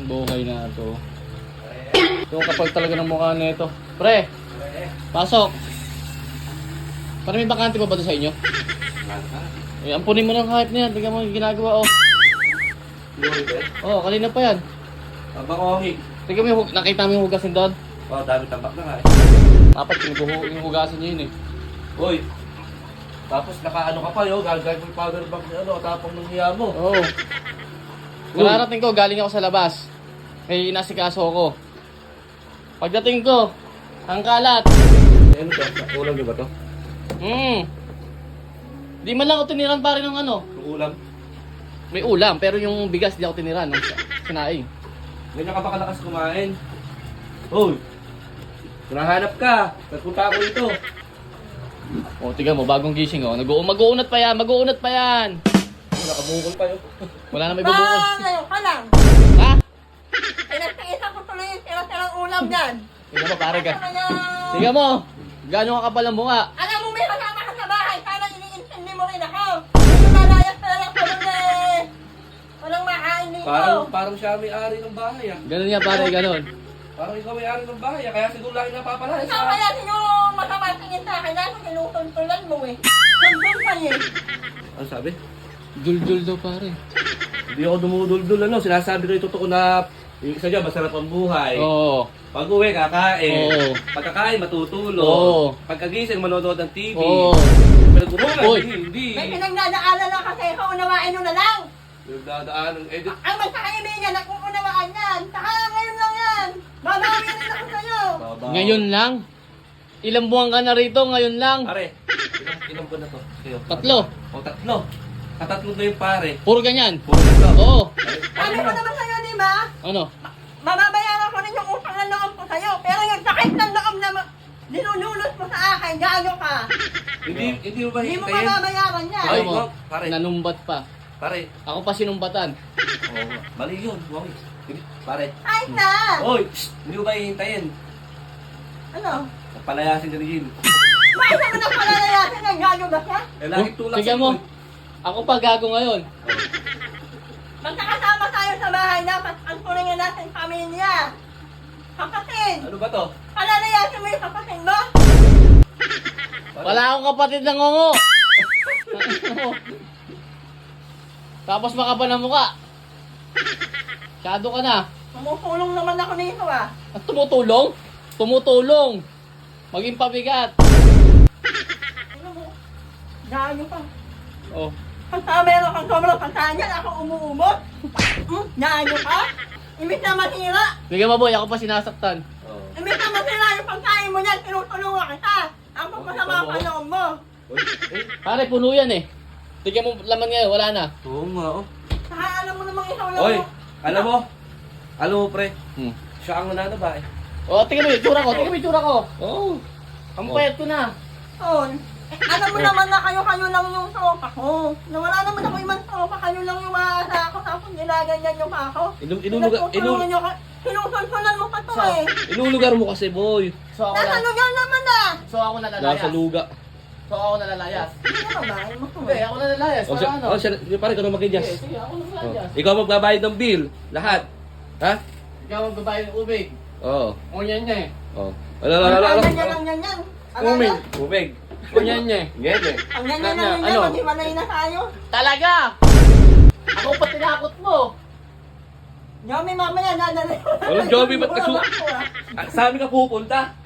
Buhay na to. Yung kapag talaga ng mukha na ito. Pre, pasok. Parang may bakante pa ba ito sa inyo? Eh, ampunin mo ng hype na yan. Tingnan mo yung ginagawa, oh. Oh, kanina pa yan. Bakohig. Tingnan mo yung, nakita mo yung hugasin doon? Oh, dami tambak na nga eh. Dapat yung hugasin niyo yun eh. Uy. Tapos nakaano ka pa yo, gagawin mo yung powder bank ni ano, tapang ng hiya mo. Oo. Oh. Kararating ko, galing ako sa labas. May inasikaso ako. Pagdating ko, ang kalat. Eh, ano to? Ulam niyo ba to? Di man lang ako tiniran pare ng ano. Yung ulam? May ulam, pero yung bigas di ako tiniran ng sinaing. Ganyan ka ba kalakas kumain? Uy! Nahanap ka! Nagpunta ako dito. O, tingnan mo, bagong gising oh. Mag-uunat pa yan, mag-uunat pa yan. Nakabukol pa yun. Wala na may bubukol. Ngayon ka lang. Ha? Pinagtiisa ko tuloy yung tira-tirang ulam dyan. Tingnan mo pare ka. Ano na? Tingnan mo, gano'n ka kapal ang bunga. Alam mo, may kasama ka sa bahay. Sana iniintindi mo rin ako. Hindi malayas na lang ko doon eh. Walang makain dito. Parang siya may-ari ng bahay ah. Ganun yan pare, ganun. Parang ikaw may-ari ng bahay ah. Kaya siguro lagi napapalaya Ikaw sa... kaya siguro masama tingin sa akin. Dahil sinutuntulan mo eh. Sundun pa eh. Ano sabi? Dul-dul daw pare. Hindi ako dumudul-dul ano. Sinasabi ko yung totoo na yung isa dyan, masarap ang buhay. Oo. Pag-uwi, kakain. Oo. Pagkakain, matutulog. Oo. Pagkagising, manonood ng TV. Oo. Pinagulungan, Uy. hindi. May pinagdadaanan lang kasi ikaw unawain mo na lang. Pinagdadaan ng edit. Ang magkakaibigan, nakukunawaan yan. Saka ngayon lang yan. Babawi rin ako sa'yo. Ngayon lang? Ilang buwan ka na rito, ngayon lang? Pare, ilang buwan na to? Kayo. Tatlo. O, tatlo. Katatlo na yung pare. Puro ganyan? Puro ito. Oo. Sabi ko naman sa'yo, di ba? Ano? Mababayaran ko rin yung utang na loob ko sa'yo. Pero yung sakit ng loob na dinunulot mo sa akin, gago ka. Hindi mo ba Hindi mo hintayin? mababayaran yan. Ay, Ayaw mo, pare. nanumbat pa. Pare. Ako pa sinumbatan. Oo. Mali yun. Wami. Pare. Ay na! Oy! Hindi mo ba hihintayin? Ano? Palayasin ka ni Jim. May isa mo na palalayasin ng gago ba siya? Eh, lagi tulak Tingnan mo. Ako pa gago ngayon. Magkakasama tayo sa bahay, dapat ang tulingan natin pamilya. Kapatid! Ano ba to? Palalayasin mo yung kapatid mo? Wala akong kapatid na ngongo. Tapos makapal ang mukha. Masyado ka na. Tumutulong naman ako nito ah. At tumutulong? Tumutulong. Maging pabigat. Ano mo? Gago pa. Oh. Pagka meron kang sobrang pagkanyan, ako umuumot. Gago ka? Imbis na matira. Bigyan mo boy, ako pa sinasaktan. Oo. Imbis na matira yung pagkain mo niyan, tinutulungan kita. Ang pagpasama ang panahon mo. Uy, eh. Pare, puno yan eh. Tignan mo laman ngayon, wala na. Oo nga, oh. Saka alam mo namang ikaw lang Oy! mo. Alam mo, pre. Hmm. Siya ang nananaba eh. Oh, tingnan mo yung tsura ko, tingnan mo yung tsura ko. Oh. Ang Oh. payat ko na. Ton, alam mo naman na kayo lang yung tropa ko. Na wala naman ako ibang tropa, kayo lang yung maasa ako. Tapos nilaganyan yung ako. Inulugar Sinusunsunan mo pa to Sa- eh. Inulugar mo kasi, boy. So ako Nasa na. lugar naman na. So ako nalalayas. Nasa luga. So ako nalalayas. Hindi na babae mo to Hindi, eh. ako nalalayas. O, Para siya, ano? pare, ka na Sige, mag-adjust. sige, ako Oh. nalalayas. Ikaw magbabayad ng bill. Lahat. Ha? Ikaw magbabayad ng ubig. Oo. Unyan niya eh. Oh. Ala. Ang ganyan yan. Umig. Umig. Unyan niya eh. Ngete. Ang ganyan Ano? yan. Maghiwalay na tayo. Talaga! Ako pa tinakot mo. Yomi, mamaya nadali. Walang Jomi, ba't Wala kasu- ako, ah. Sa amin ka pupunta.